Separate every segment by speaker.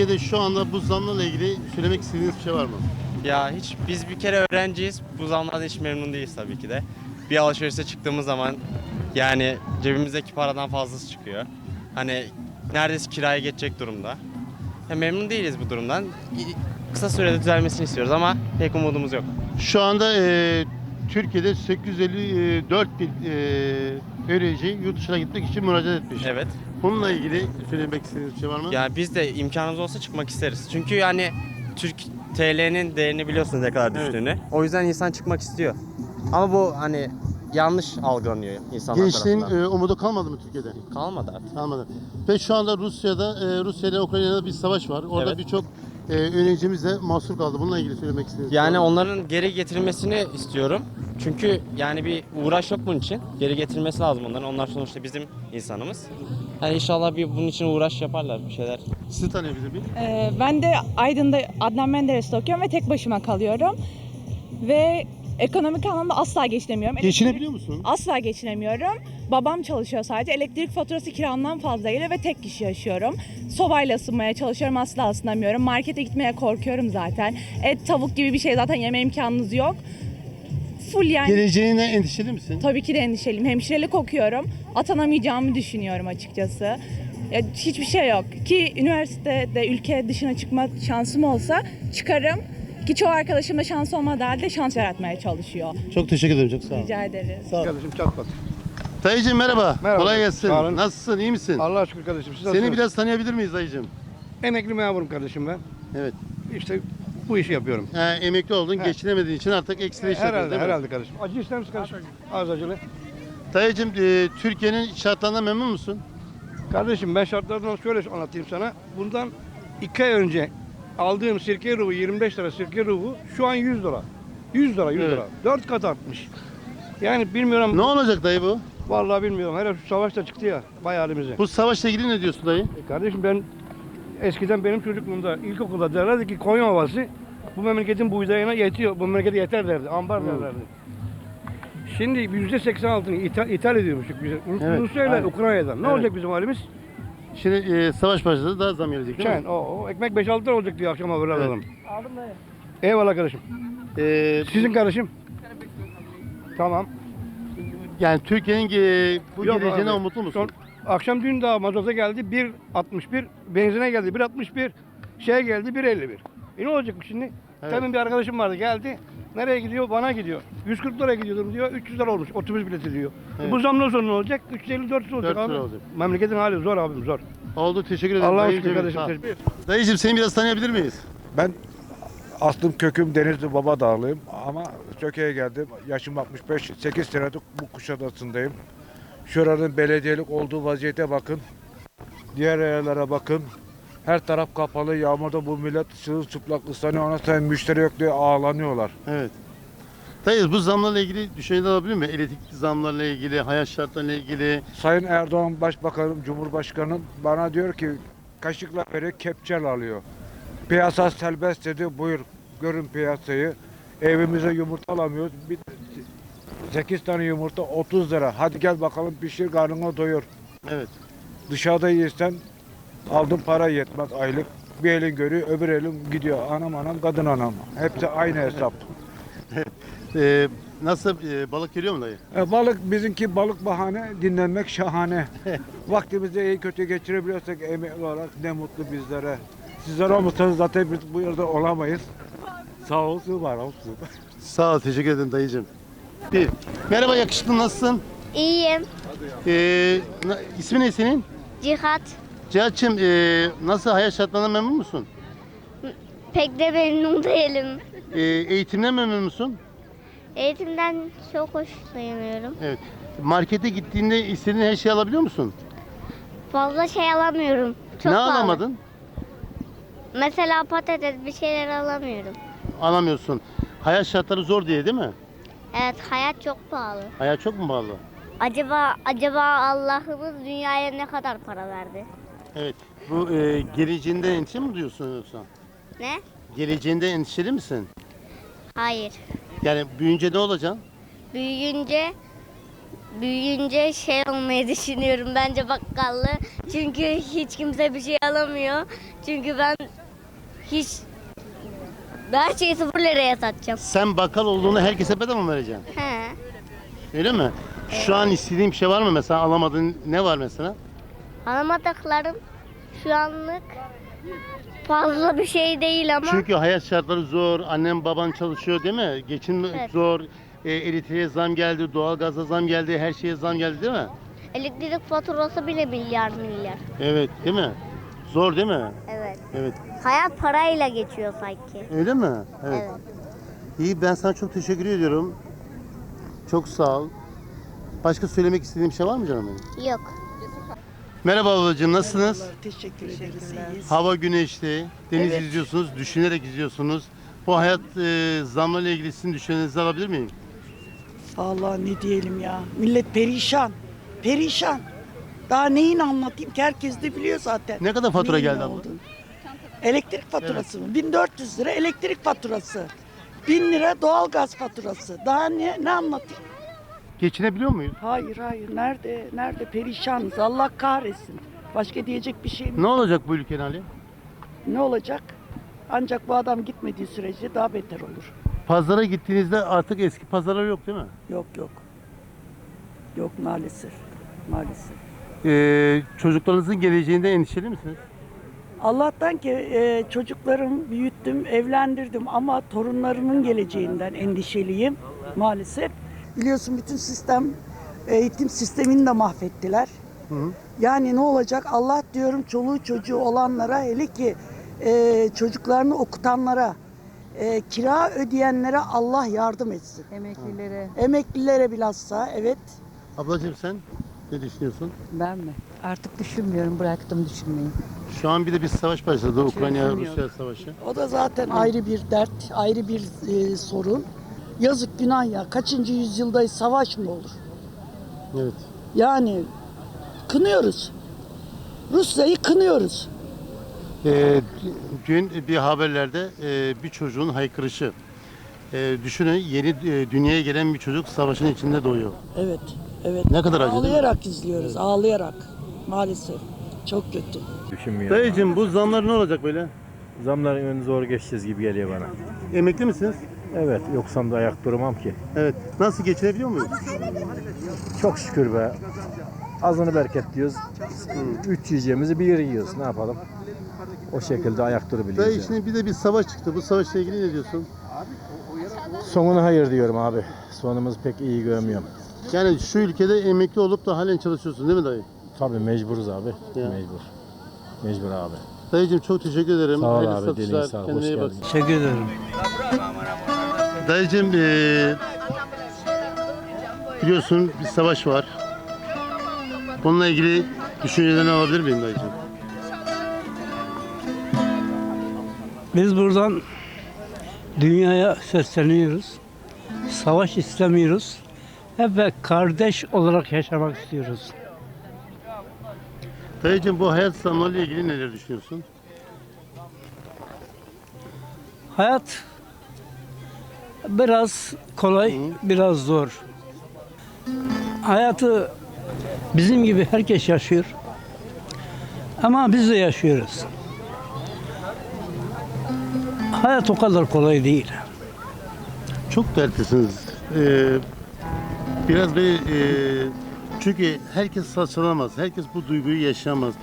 Speaker 1: Türkiye'de şu anda bu zamlarla ilgili söylemek istediğiniz bir şey var mı?
Speaker 2: Ya biz bir kere öğrenciyiz. Bu zamlardan hiç memnun değiliz tabii ki de. Bir alışverişe çıktığımız zaman yani cebimizdeki paradan fazlası çıkıyor. Hani neredeyse kiraya geçecek durumda. Memnun değiliz bu durumdan. Kısa sürede düzelmesini istiyoruz ama pek umudumuz yok.
Speaker 1: Şu anda Türkiye'de 854 bin öğrenci yurt dışına gitmek için müracaat etmiş.
Speaker 2: Evet.
Speaker 1: Bununla ilgili söylemek istediğiniz bir şey var mı?
Speaker 2: Yani biz de imkanımız olsa çıkmak isteriz. Çünkü yani Türk TL'nin değerini biliyorsunuz ne kadar düştüğünü.
Speaker 1: Evet.
Speaker 2: O yüzden insan çıkmak istiyor. Ama bu hani yanlış algılanıyor insanlar
Speaker 1: Gençliğin
Speaker 2: tarafından.
Speaker 1: umudu kalmadı mı Türkiye'de?
Speaker 2: Kalmadı artık.
Speaker 1: Kalmadı. Ve şu anda Rusya ile Ukrayna'da bir savaş var. Orada
Speaker 2: Evet.
Speaker 1: birçok öğrencimiz de mahsur kaldı. Bununla ilgili söylemek istediğiniz
Speaker 2: Yani
Speaker 1: şey var mı?
Speaker 2: onların geri getirilmesini istiyorum. Çünkü yani bir uğraş yok bunun için. Geri getirilmesi lazım onların. Onlar sonuçta bizim insanımız. Yani inşallah bunun için uğraş yaparlar bir şeyler.
Speaker 1: Sizi tanıyabilir miyim?
Speaker 3: Ben de Aydın'da Adnan Menderes'te okuyorum ve tek başıma kalıyorum. Ve ekonomik anlamda asla geçinemiyorum.
Speaker 1: Geçinebiliyor musun?
Speaker 3: Asla geçinemiyorum. Babam çalışıyor sadece. Elektrik faturası kiramdan fazla geliyor ve tek kişi yaşıyorum. Sobayla ısınmaya çalışıyorum, asla ısınamıyorum. Markete gitmeye korkuyorum zaten. Et, tavuk gibi bir şey zaten yeme imkanınız yok. Full yani.
Speaker 1: Geleceğine endişeli misin?
Speaker 3: Tabii ki de endişeliyim. Hemşirelik okuyorum. Atanamayacağımı düşünüyorum açıkçası. Ya hiçbir şey yok. Ki üniversitede ülke dışına çıkma şansım olsa çıkarım. Ki çoğu arkadaşım da şans olmadığı halde şans yaratmaya çalışıyor.
Speaker 1: Çok teşekkür ederim. Çok sağ ol.
Speaker 3: Rica ederiz.
Speaker 1: Sağ ol.
Speaker 4: Kardeşim çatlat.
Speaker 1: Dayıcığım merhaba.
Speaker 4: Merhaba.
Speaker 1: Kolay gelsin.
Speaker 4: Sağ olun.
Speaker 1: Nasılsın? İyi misin?
Speaker 4: Allah'a şükür kardeşim. Siz
Speaker 1: Seni
Speaker 4: nasılsınız?
Speaker 1: biraz tanıyabilir miyiz dayıcığım?
Speaker 4: Emekli memurum kardeşim ben.
Speaker 1: Evet.
Speaker 4: İşte bu işi yapıyorum.
Speaker 1: Emekli oldun,
Speaker 4: He.
Speaker 1: geçinemediğin için artık ekstra iş yapıyorsun
Speaker 4: Herhalde,
Speaker 1: değil mi?
Speaker 4: herhalde kardeşim. Acı ister misin kardeşim? Az acılı.
Speaker 1: Dayıcığım Türkiye'nin şartlarından memnun musun?
Speaker 4: Kardeşim ben şartlardan şöyle anlatayım sana. Bundan 2 ay önce aldığım sirke ruhu 25 lira sirke ruhu şu an 100 lira. 100 lira, 100
Speaker 1: Evet.
Speaker 4: lira. 4 kat artmış. Yani bilmiyorum.
Speaker 1: Ne olacak dayı bu?
Speaker 4: Vallahi bilmiyorum. Hele şu savaş da çıktı ya. Bayağı halimize.
Speaker 1: Bu savaşla ilgili ne diyorsun dayı?
Speaker 4: Kardeşim ben eskiden benim çocukluğumda ilkokulda derlerdi ki Konya Ovası bu memleketin buğdayına yetiyor. Bu memlekete yeter derdi. Ambar derlerdi. Şimdi %86'ını ithal ediyormuşuk biz.
Speaker 1: Evet,
Speaker 4: Rusya ile
Speaker 1: aynen.
Speaker 4: Ukrayna'dan. Ne
Speaker 1: Evet.
Speaker 4: olacak bizim halimiz?
Speaker 1: Şimdi savaş başladı, daha zam gelecek değil
Speaker 4: Sen
Speaker 1: mi?
Speaker 4: o ekmek 5-6 lira olacak diyor akşama böyle
Speaker 1: Evet.
Speaker 4: alalım. Eyvallah kardeşim. Sizin kardeşim? Tamam.
Speaker 1: Yani Türkiye'nin bu
Speaker 4: Yok
Speaker 1: geleceğine
Speaker 4: abi.
Speaker 1: umutlu musun?
Speaker 4: Akşam dün daha mazota geldi 1.61, benzine geldi 1.61, şeye geldi 1.51. Ne olacak bu şimdi?
Speaker 1: Evet.
Speaker 4: Demin bir arkadaşım vardı geldi. Nereye gidiyor? Bana gidiyor. 140 liraya gidiyordum diyor. 300 lira olmuş. Otobüs bileti diyor.
Speaker 1: Evet.
Speaker 4: Bu zamdan sonra ne olacak? 350-400 olacak
Speaker 1: 400
Speaker 4: abi.
Speaker 1: lira olacak.
Speaker 4: Memleketin hali zor abim zor.
Speaker 1: Oldu, teşekkür ederim.
Speaker 4: Allah'a
Speaker 1: dayıcığım.
Speaker 4: şükür kardeşim.
Speaker 1: Sağ ol.
Speaker 4: Teşekkür ederim.
Speaker 1: Dayıcığım seni biraz tanıyabilir miyiz?
Speaker 5: Ben aslım köküm Denizli Babadağlıyım ama Söke'ye geldim. Yaşım 65, 8 senedir bu Kuşadası'ndayım. Şuranın belediyelik olduğu vaziyete bakın. Diğer yerlere bakın. Her taraf kapalı. Yağmurda bu millet sırılçıplak ıslanıyor. Ona sayın müşteri yok diye ağlanıyorlar.
Speaker 1: Evet. Dayı bu zamlarla ilgili düşünceler alabilir miyim? Elektrik zamlarla ilgili, hayat şartlarıyla ilgili.
Speaker 5: Sayın Erdoğan Başbakanım, Cumhurbaşkanım bana diyor ki kaşıkla veriyor, kepçel alıyor. Piyasa serbest dedi. Buyur görün piyasayı. Evimize yumurta alamıyoruz. 8 tane yumurta 30 lira. Hadi gel bakalım pişir karnına doyur.
Speaker 1: Evet.
Speaker 5: Dışarıda yersen aldığın para yetmez aylık. Bir elin görüyor, öbür elin gidiyor. Anam anam, kadın anam. Hepsi aynı hesap.
Speaker 1: Nasıl balık geliyor mu dayı?
Speaker 5: Balık bizimki balık bahane, dinlenmek şahane. Vaktimizi iyi kötü geçirebiliyorsak emekli olarak ne mutlu bizlere. Sizler olmasanız zaten biz bu yerde olamayız. Sağ olsun, var olsun.
Speaker 1: Sağ ol, teşekkür ederim dayıcığım. Merhaba yakışıklı, nasılsın?
Speaker 6: İyiyim.
Speaker 1: İsmi ne senin?
Speaker 6: Cihat.
Speaker 1: Cihat'cığım nasıl, hayat şartlarından memnun musun?
Speaker 6: Pek de memnun değilim.
Speaker 1: Eğitimden memnun musun?
Speaker 6: Eğitimden çok hoşlanıyorum.
Speaker 1: Evet. Markete gittiğinde istediğin her şeyi alabiliyor musun?
Speaker 6: Fazla şey alamıyorum. Çok
Speaker 1: Ne
Speaker 6: pahalı.
Speaker 1: alamadın?
Speaker 6: Mesela patates bir şeyler alamıyorum.
Speaker 1: Alamıyorsun. Hayat şartları zor diye değil mi?
Speaker 6: Evet, hayat çok pahalı.
Speaker 1: Hayat çok mu pahalı?
Speaker 6: Acaba Allah'ımız dünyaya ne kadar para verdi?
Speaker 1: Evet. Bu geleceğinde endişe mi duyuyorsun yoksa?
Speaker 6: Ne?
Speaker 1: Geleceğinde endişeli misin?
Speaker 6: Hayır.
Speaker 1: Yani büyüyünce ne olacaksın?
Speaker 6: Büyüyünce Büyüyünce şey olmayı düşünüyorum bence bakkallı. Çünkü hiç kimse bir şey alamıyor. Çünkü ben her şeyi 0 liraya satacağım.
Speaker 1: Sen bakkal olduğunu herkese bedava mı vereceksin?
Speaker 6: He.
Speaker 1: Öyle mi? Şu an istediğin bir şey var mı mesela, alamadığın ne var mesela?
Speaker 6: Alamadıklarım şu anlık fazla bir şey değil ama
Speaker 1: Çünkü hayat şartları zor, annem baban çalışıyor değil mi? Geçim
Speaker 6: Evet.
Speaker 1: zor, elektriğe zam geldi, doğalgaza zam geldi, her şeye zam geldi değil mi?
Speaker 6: elektrik faturası bile milyar.
Speaker 1: Evet, değil mi? Zor değil mi?
Speaker 6: Evet.
Speaker 1: Evet.
Speaker 6: Hayat parayla geçiyor sanki.
Speaker 1: Öyle mi?
Speaker 6: Evet.
Speaker 1: İyi, ben sana çok teşekkür ediyorum. Çok sağ ol. Başka söylemek istediğim bir şey var mı canım benim?
Speaker 6: Yok.
Speaker 1: Merhaba ablacığım, nasılsınız?
Speaker 7: Teşekkür ederiz. İyiyiz.
Speaker 1: Hava güneşli, deniz
Speaker 7: Evet.
Speaker 1: izliyorsunuz, düşünerek izliyorsunuz. Bu hayat zamlarla ilgili sizin düşüncelerinizi alabilir miyim?
Speaker 7: Vallahi ne diyelim ya. Millet perişan. Perişan. Daha neyini anlatayım ki herkes de biliyor zaten.
Speaker 1: Ne kadar fatura
Speaker 7: Neyin
Speaker 1: geldi
Speaker 7: ne
Speaker 1: abla?
Speaker 7: olduğunu. Elektrik faturası mı? 1400 lira elektrik faturası. 1000 lira doğalgaz faturası. Daha ne anlatayım?
Speaker 1: Geçinebiliyor muyuz?
Speaker 7: Hayır. Nerede perişanız. Allah kahretsin. Başka diyecek bir şey mi?
Speaker 1: Ne olacak bu ülkenin hali?
Speaker 7: Ne olacak? Ancak bu adam gitmediği sürece daha beter olur.
Speaker 1: Pazara gittiğinizde artık eski pazarlar yok değil mi?
Speaker 7: Yok. Yok maalesef. Maalesef.
Speaker 1: Çocuklarınızın geleceğinde endişeli misiniz?
Speaker 7: Allah'tan ki çocuklarımı büyüttüm, evlendirdim ama torunlarımın geleceğinden endişeliyim maalesef. Biliyorsun bütün eğitim sistemini de mahvettiler. Yani ne olacak? Allah diyorum çoluğu çocuğu olanlara, hele ki çocuklarını okutanlara, kira ödeyenlere Allah yardım etsin.
Speaker 8: Emeklilere.
Speaker 7: Emeklilere bilhassa, evet.
Speaker 1: Ablacığım sen ne düşünüyorsun?
Speaker 8: Ben mi? Artık düşünmüyorum, bıraktım düşünmeyi.
Speaker 1: Şu an bir de bir savaş başladı.
Speaker 8: Çözüm
Speaker 1: Ukrayna-Rusya savaşı.
Speaker 7: O da zaten ayrı bir dert, ayrı bir sorun. Yazık günah ya. Kaçıncı yüzyılda savaş mı olur?
Speaker 1: Evet.
Speaker 7: Yani kınıyoruz. Rusya'yı kınıyoruz.
Speaker 1: Dün bir haberlerde bir çocuğun haykırışı. Düşünün, yeni dünyaya gelen bir çocuk savaşın içinde doğuyor.
Speaker 7: Evet.
Speaker 1: Ne kadar acı değil mi?
Speaker 7: Ağlayarak izliyoruz, ağlayarak. Maalesef. Çok kötü.
Speaker 9: Düşünmüyorum.
Speaker 1: Dayıcığım bu zamlar ne olacak böyle?
Speaker 9: Zamların önünü zor geçeceğiz gibi geliyor bana.
Speaker 1: Emekli misiniz?
Speaker 9: Evet, yoksam da ayak durmam ki.
Speaker 1: Evet. Nasıl, geçinebiliyor muyuz?
Speaker 9: Çok şükür be. Azını bereket diyoruz. 3 yiyeceğimizi bir yiyoruz. Ne yapalım? O şekilde ayak durabiliyoruz.
Speaker 1: Dayı
Speaker 9: yani.
Speaker 1: şimdi bir de bir savaş çıktı. Bu savaşla ilgili ne diyorsun?
Speaker 9: Sonuna hayır diyorum abi. Sonumuz pek iyi görmüyorum.
Speaker 1: Yani şu ülkede emekli olup da halen çalışıyorsun değil mi dayı?
Speaker 9: Tabii mecburuz abi.
Speaker 1: Ya.
Speaker 9: Mecbur. Mecbur abi.
Speaker 1: Dayıcığım çok teşekkür ederim.
Speaker 9: Sağ ol
Speaker 1: Hayırlı
Speaker 9: abi.
Speaker 1: satışlar.
Speaker 9: Dilin sağ ol. Hoş
Speaker 1: Kendine iyi bak.
Speaker 9: geldin.
Speaker 4: Teşekkür ederim.
Speaker 1: Dayıcığım biliyorsun bir savaş var. Bununla ilgili düşüncelerini alabilir miyim dayıcığım?
Speaker 10: Biz buradan dünyaya sesleniyoruz. Savaş istemiyoruz. Hep kardeş olarak yaşamak istiyoruz.
Speaker 1: Dayıcığım bu hayat zamlarıyla ilgili neler düşünüyorsun?
Speaker 10: Hayat biraz kolay, biraz zor. Hayatı bizim gibi herkes yaşıyor. Ama biz de yaşıyoruz. Hayat o kadar kolay değil.
Speaker 1: Çok dertlisiniz. Biraz böyle çünkü herkes saçmalamaz. Herkes bu duyguyu yaşayamaz.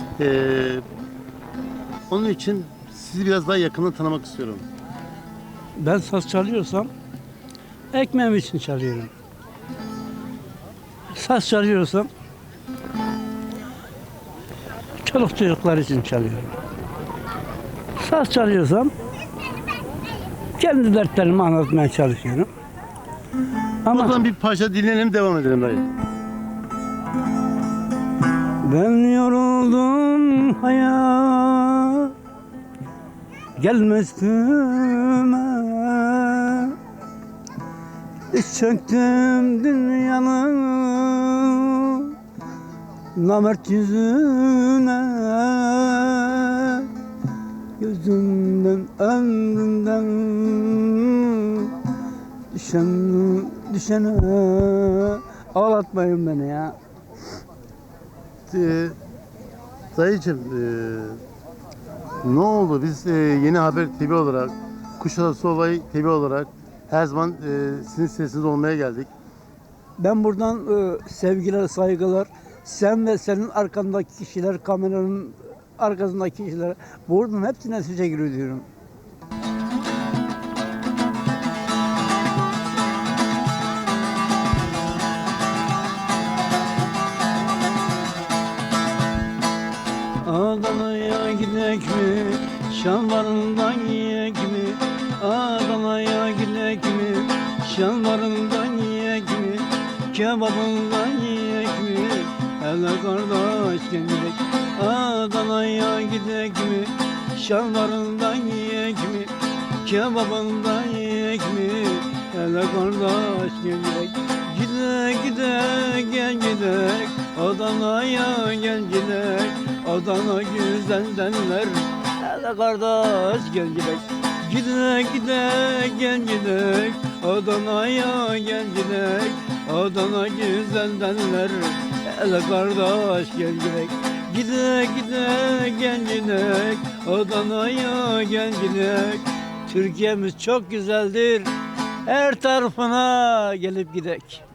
Speaker 1: Onun için sizi biraz daha yakından tanımak istiyorum.
Speaker 10: Ben saz çalıyorsam ekmeğim için çalıyorum. Saz çalıyorsam çoluk çocuklar için çalıyorum. Saz çalıyorsam kendi dertlerimi anlatmaya çalışıyorum. Ama
Speaker 1: Buradan bir parça dinleyelim, devam edelim dayı.
Speaker 10: ben yoruldum hayat gelme üstüme, diz çöktüm dünyanın namert yüzüne, gözümden ömrümden düşene Ağlatmayın beni ya.
Speaker 1: Dayıcım, ne oldu? Biz Yeni Haber TV olarak, Kuşadası Olayı TV olarak her zaman sizin sesiniz olmaya geldik.
Speaker 10: Ben buradan sevgiler, saygılar. Sen ve senin arkandaki kişiler, kameranın arkasındaki kişiler. Buradan hepsine teşekkür ediyorum. Adana'ya gidek mi? Şalvarından yiyek mi? Adana'ya gidek mi? Şalvarından yiyek mi? Kebabından yiyek mi? Hele kardeş gidek. Adana'ya gidek mi? Şalvarından yiyek mi? Kebabından yiyek mi? Hele kardeş gidek. Gidek gidek gel gidek. Adana'ya gel gidek. Adana güzel derler. Hele kardeş gel gidek. Gidek gidek gel gidek. Adana'ya gel gidek. Adana güzel derler. Hele kardeş gel gidek. Gidek gidek gel gidek. Adana'ya gel gidek. Türkiye'miz çok güzeldir. Her tarafına gelip gidek.